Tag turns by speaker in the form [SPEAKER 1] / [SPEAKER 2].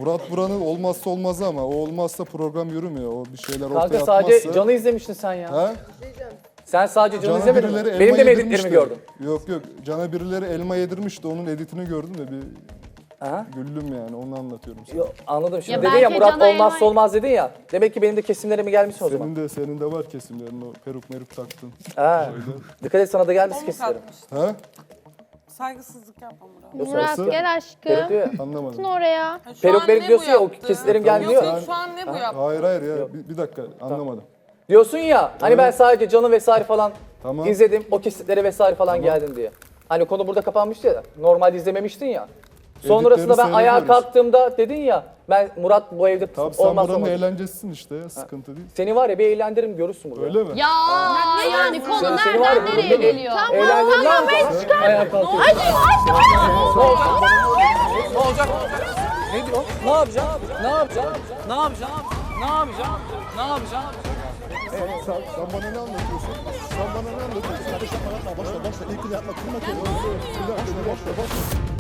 [SPEAKER 1] Murat Buran'ın olmazsa olmazı ama o olmazsa program yürümüyor. O bir şeyler ortaya
[SPEAKER 2] Kanka
[SPEAKER 1] atmazsa.
[SPEAKER 2] sadece Can'ı izlemiştin sen ya.
[SPEAKER 1] Ha?
[SPEAKER 2] Sen sadece Can'ı
[SPEAKER 1] Can'a
[SPEAKER 2] izlemedin
[SPEAKER 1] birileri
[SPEAKER 2] mi? Benim de
[SPEAKER 1] elma
[SPEAKER 2] mi editlerimi
[SPEAKER 1] yedirmişti.
[SPEAKER 2] gördün?
[SPEAKER 1] Yok yok. Can'a birileri elma yedirmişti. Onun editini gördüm de bir
[SPEAKER 2] Aha.
[SPEAKER 1] güldüm yani. Onu anlatıyorum sana.
[SPEAKER 2] Yo, anladım şimdi.
[SPEAKER 3] Ya
[SPEAKER 2] Dedin ya
[SPEAKER 3] belki
[SPEAKER 2] Murat
[SPEAKER 3] Can'a
[SPEAKER 2] olmazsa
[SPEAKER 3] elma-
[SPEAKER 2] olmaz dedin ya. Demek ki benim de kesimlerime gelmiş o zaman.
[SPEAKER 1] Senin de var kesimlerin o peruk taktın.
[SPEAKER 2] Ha. Dikkat et sana da gelmiş
[SPEAKER 4] Onu
[SPEAKER 2] kesimlerim.
[SPEAKER 4] katmıştı.
[SPEAKER 1] Ha?
[SPEAKER 4] Saygısızlık yapma Murat.
[SPEAKER 3] Murat
[SPEAKER 1] Nasıl?
[SPEAKER 3] gel aşkım.
[SPEAKER 2] Peruk diyor ya.
[SPEAKER 1] Anlamadım.
[SPEAKER 3] Gitsin oraya.
[SPEAKER 4] Ha, şu
[SPEAKER 2] Peruk
[SPEAKER 4] an
[SPEAKER 2] peruk
[SPEAKER 4] ne
[SPEAKER 2] diyorsun
[SPEAKER 4] bu
[SPEAKER 2] ya, o
[SPEAKER 4] yaptı?
[SPEAKER 2] kesitlerim
[SPEAKER 1] Tamam.
[SPEAKER 2] gelmiyor.
[SPEAKER 4] Yok yok şu an ne bu yaptı?
[SPEAKER 1] Hayır ya. Bir dakika anlamadım.
[SPEAKER 2] Diyorsun ya hani ben sadece Can'ı vesaire falan
[SPEAKER 1] Tamam.
[SPEAKER 2] izledim. O kesitleri vesaire falan geldin diye. Hani konu burada kapanmıştı ya. Normalde izlememiştin ya. Sonrasında ben ayağa
[SPEAKER 1] seyrediyoruz.
[SPEAKER 2] kalktığımda dedin ya ben Murat bu evde
[SPEAKER 1] Tabii sen
[SPEAKER 2] olmaz
[SPEAKER 1] buranın
[SPEAKER 2] olmaz.
[SPEAKER 1] eğlencesisin işte ya. Sıkıntı değil.
[SPEAKER 2] Seni var ya bir eğlendiririm görürsün burada.
[SPEAKER 1] Öyle mi?
[SPEAKER 3] Ya yani konu
[SPEAKER 2] Seni var ya,
[SPEAKER 3] nereden nereye
[SPEAKER 2] burada
[SPEAKER 3] geliyor?
[SPEAKER 2] Eğlendirim lan. Ayağa kalkıyorsun. Ne olacak? Ne diyor? Ne yapacağım? Ne yapacağım?
[SPEAKER 5] Ne yapacağım? Ne yapacağım? Ne yapacağım?
[SPEAKER 1] Sen bana ne anlatıyorsun? Sen bana ne anlatıyorsun? Başla. İlk yapma. Kırma kendini. Bir dakika, başla.